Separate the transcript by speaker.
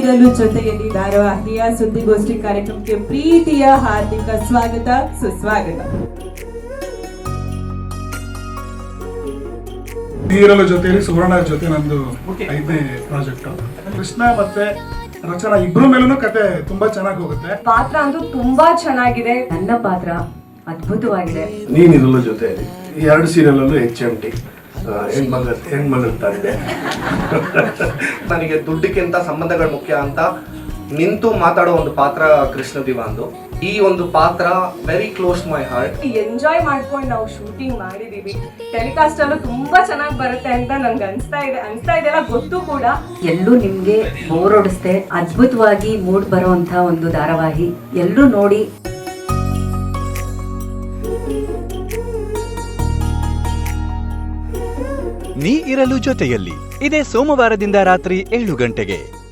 Speaker 1: ನೀರಲು ಜೊತೆಯಲ್ಲಿ ಧಾರಾವಾಹಿಯ ಸುದ್ದಿಗೋಷ್ಠಿ ಕಾರ್ಯಕ್ರಮಕ್ಕೆ ಪ್ರೀತಿಯ ಹಾರ್ದಿಕ ಸ್ವಾಗತ ಸುಸ್ವಾಗತ.
Speaker 2: ನೀರಲು ಜೊತೆಯಲ್ಲಿ ಸುವರ್ಣ ಜೊತೆ ನಂದು 5ನೇ ಪ್ರಾಜೆಕ್ಟ್. ಕೃಷ್ಣ ಮತ್ತೆ ರಚನಾ ಇಬ್ರು ಮೇಲೂ ಕತೆ ತುಂಬಾ ಚೆನ್ನಾಗಿ ಹೋಗುತ್ತೆ.
Speaker 3: ಪಾತ್ರ ಅಂತೂ ತುಂಬಾ ಚೆನ್ನಾಗಿದೆ. ನನ್ನ ಪಾತ್ರ ಅದ್ಭುತವಾಗಿದೆ.
Speaker 4: ನೀನಿರಲು ಜೊತೆ ಈ 2 ಸೀರಿಯಲ್ ಅಲ್ಲೂ HMT ಹೆಣ್ಮಗಳ ತಂದೆ.
Speaker 5: ನನಗೆ ದುಡ್ಡಿಗಿಂತ ಸಂಬಂಧಗಳು ಮುಖ್ಯ ಅಂತ ನಿಂತು ಮಾತಾಡೋ ಒಂದು ಪಾತ್ರ ಕೃಷ್ಣ ದಿವಾಂದು. ಈ ಒಂದು ಪಾತ್ರ very close my heart.
Speaker 3: Enjoy ಮಾಡ್ಕೊಂಡು ನಾವು ಶೂಟಿಂಗ್ ಮಾಡಿದೀವಿ. ಟೆಲಿಕಾಸ್ಟ್ ಅಲ್ಲೂ ತುಂಬಾ ಚೆನ್ನಾಗಿ ಬರುತ್ತೆ ಅಂತ ನನ್ಗೆ ಅನ್ಸ್ತಾ ಇದೆಲ್ಲ ಗೊತ್ತು ಕೂಡ.
Speaker 6: ಎಲ್ಲೂ ನಿಮ್ಗೆ ಬೋರ್ ಹೊಡಿಸ್ದೆ ಅದ್ಭುತವಾಗಿ ಮೂಡ್ ಬರುವಂತ ಒಂದು ಧಾರಾವಾಹಿ. ಎಲ್ಲರೂ ನೋಡಿ.
Speaker 7: ನೀ ಇರಲು ಜೊತೆಯಲ್ಲಿ ಇದೇ ಸೋಮವಾರದಿಂದ ರಾತ್ರಿ 7 ಗಂಟೆಗೆ.